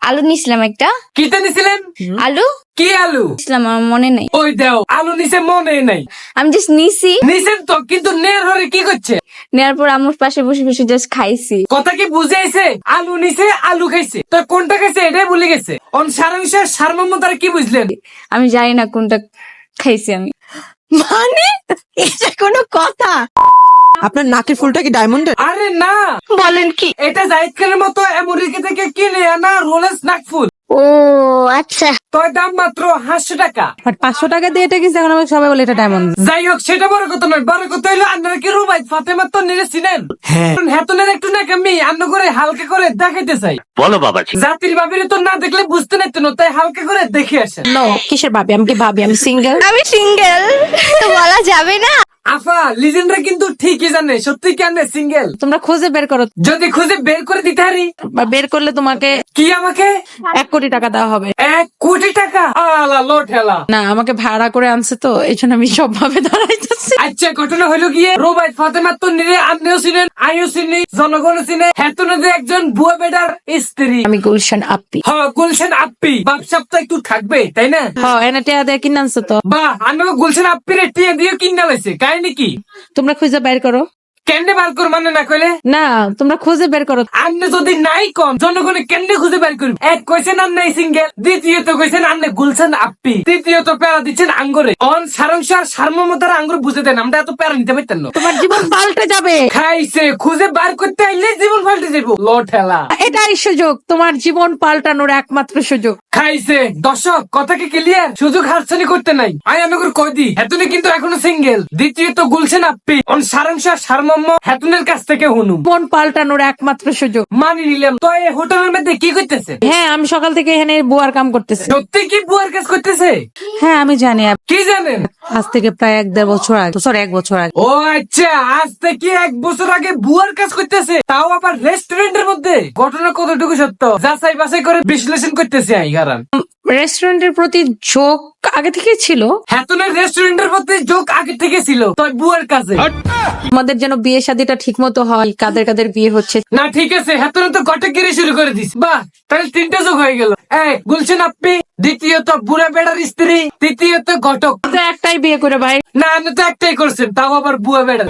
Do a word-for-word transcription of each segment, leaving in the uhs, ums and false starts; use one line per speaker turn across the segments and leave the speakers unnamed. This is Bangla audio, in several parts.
আলু নিছিলাম একটা।
কিতে নিছিলেন?
আলু
কি আলু?
নিছিলাম, আমার মনে নেই।
ওই দেও আলু নিছে মনে নাই।
আমি জাস্ট নিছি,
নিছেন তো, কিন্তু নের হরে কি করছে?
নেওয়ার পর আমার পাশে বসে বসে জাস্ট খাইছি।
কথা কি বুঝাইছে? আলু নিছে, আলু খাইছে, তো কোনটা খাইছে এটাই ভুলে গেছে। অন সারাংশের সারমর্ম তারা কি বুঝলেন?
আমি জানি না কোনটা খাইছি আমি।
মানে এটা কোনো কথা? আপনার নাকের ফুলটা কি ডায়মন্ডের?
আরে না,
বলেন কি?
এটা জাহিদ খানের মতো আমেরিকা থেকে কিনে আনা রোলেক্স নাকফুল।
ও আচ্ছা।
তোর দাম মাত্র পাঁচশো টাকা।
বাট পাঁচশো টাকা দিয়ে এটা কিনছে, এখন আমাকে সবাই বলে এটা ডায়মন্ড।
যাই হোক, সেটা বড় কথা নয়। বড় কথা হইলো আপনারা কি রুবাই ফাতেমা তো নিরে চিনেন?
হ্যাঁ।
হেতনের একটু নাকামি আন্ন করে হালকা করে দেখাইতে চাই।
বলো বাবাজি।
জাতির বাবিরে তো না দেখলে বুঝতে নাইতেন, তাই হালকা করে দেখে আসেন।
নো, কিসের ভাবি? আমি কি ভাবি? আমি সিঙ্গেল।
আমি সিঙ্গেল, তো বলা যাবে না।
আফা লিজেন্ডরা কিন্তু ঠিকই জানে সত্যি কেন সিঙ্গেল।
তোমরা খুঁজে বের করো,
যদি খুঁজে বের করে দিতে পারি।
বা বের করলে তোমাকে
কি আমাকে
এক কোটি টাকা দেওয়া হবে।
এক কোটি টাকা? আলা লো ঠেলা।
না, আমাকে ভাড়া করে আনছে তো, এই জন্য আমি সব ভাবে দাঁড়াইতেছি।
আচ্ছা, ঘটনা হলো গিয়ে রোবাই ফাতেমা তো নিরে আপনিও চিনেন, আমিও চিনি, জনগণও চিনে। হেতনদের একজন বুয়া বেটার স্ত্রী।
আমি গুলশান আপ্পি।
হ, গুলশান আপ্পি। বাপসাপ তো একটু থাকবে তাই না?
হ, এনে টিয়া দিয়ে কিনে আনছে তো।
বাহ, আমিও গুলশান আপ্পিরে টিয়া দিয়ে কিনা লাইছে। কাহিনী কি?
তোমরা খুঁজে বের করো।
কেন্নে বার কর মানে না কইলে?
না, তোমরা খুঁজে বের করো।
আপনি যদি নাই কম জনগণে কেন্নে খুঁজে বের করবে? এক কইছেন আর নাই সিঙ্গেল, দ্বিতীয়ত কইছেন আপনি গুলশান আপ্পি, তৃতীয়ত প্যারা দিচ্ছেন আঙ্গরে। অন সারাংশ আর সারমর্মতার আঙ্গুর বুঝে দেন, আমরা এত প্যারা নিতে পারতেন না।
তোমার জীবন পাল্টে যাবে।
খাইছে খুঁজে বার করতে আইলে জীবন পাল্টে যাবো। লো ঠেলা।
এটাই সুযোগ, তোমার জীবন পাল্টানোর একমাত্র সুযোগ।
খাইছে। দর্শক কথা কি ক্লিয়ার? সুযোগ হাতছানি করতে নাই। আমি আমি করে কই দি, হেতুনে কিন্তু এখনো সিঙ্গেল। দ্বিতীয়ত গুলশান আপ্পি। অন সারাংশ আর সারমর্ম হেতুনের কাছ থেকে হুনু।
জীবন পাল্টানোর একমাত্র সুযোগ।
মানি নিলাম। তো এই হোটেলের মধ্যে কি করতেছে?
হ্যাঁ, আমি সকাল থেকে এখানে বুয়ার কাম করতেছি।
সত্যি কি বুয়ার কাজ করতেছে?
হ্যাঁ, আমি জানি।
কি জানেন?
আজ থেকে প্রায় এক দেড় বছর আগে, সরি এক বছর আগে।
ও আচ্ছা, আজ থেকে এক বছর আগে বুয়ার কাজ করতেছে, তাও আবার রেস্টুরেন্টের মধ্যে। ঘটনা কতটুকু সত্য যাচাই বাছাই করে বিশ্লেষণ করতেছে আই কারণ।
রেস্টুরেন্টের প্রতি ঝোঁক আগে থেকে ছিল।
হেতনের রেস্টুরেন্টের প্রতি যোগ আগে থেকে ছিল, তাই বুয়ার কাছে।
আমাদের যেন বিয়ে শাদীটা ঠিক মতো হয়, কাদের কাদের বিয়ে হচ্ছে।
না ঠিক আছে, হেতনে তো গটে গিরি শুরু করে দিস। বাহ, তাহলে তিনটা যোগ হয়ে গেল। এক গুলশান আপ্পি, দ্বিতীয়ত বুড়া বেড়ার স্ত্রী, তৃতীয়ত ঘটক।
তো একটাই বিয়ে করে ভাই।
না, আপনি তো একটাই করছেন, তাও আবার বুয়া বেড়ার।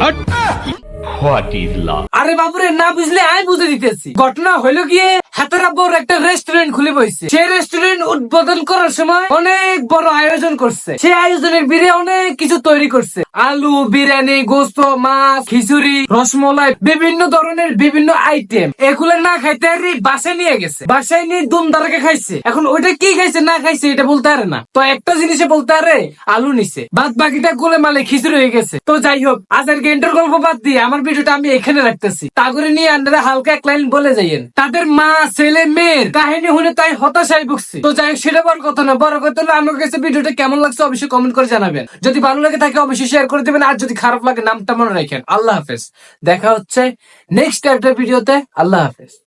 What is love?
আরে বাবুরে, না বুঝলে আমি বুঝে দিতেছি। ঘটনা হইলো গিয়ে হাতেরা বড় একটা রেস্টুরেন্ট খুলে বসছে। সেই রেস্টুরেন্ট উদ্বোধন করার সময় অনেক বড় আয়োজন করছে। সেই আয়োজনের বীরে অনেক কিছু তৈরি করছে। আলু, বিরিয়ানি, গোস্ত, মাছ, খিচুড়ি, রসমলাই, বিভিন্ন ধরনের বিভিন্ন আইটেম। এগুলো না খাইতে আর বাসায় নিয়ে গেছে। বাসায় নিয়ে দুম দারাকে খাইছে। এখন ওইটা কি খাইছে না খাইছে এটা বলতে পারে না। তো একটা জিনিসে বলতে পারে, আলু নিছে, বাদ বাকিটা গোলে মালে খিচুড়ি হয়ে গেছে। তো যাই হোক, আজের গেন্টের গল্প বাদ দিয়ে আমার ভিডিওটা আমি এখানে রাখতেছি। তা করে নিয়ে আপনারা হালকা এক লাইন বলে যাইয়েন। তাদের মা ছেলে মেয়ের কাহিনী শুনে তাই হতাশায় ভুগছি। তো যাই হোক, সেটা বড় কথা না। বড় কথা হলো আমার কাছে ভিডিওটা কেমন লাগছে অবশ্যই কমেন্ট করে জানাবেন। যদি ভালো লাগে থাকে অবশ্যই শেয়ার করে দেবেন, আর যদি খারাপ লাগে নামটা মনে রাখেন। আল্লাহ হাফেজ। দেখা হচ্ছে নেক্সট একটা ভিডিওতে। আল্লাহ হাফেজ।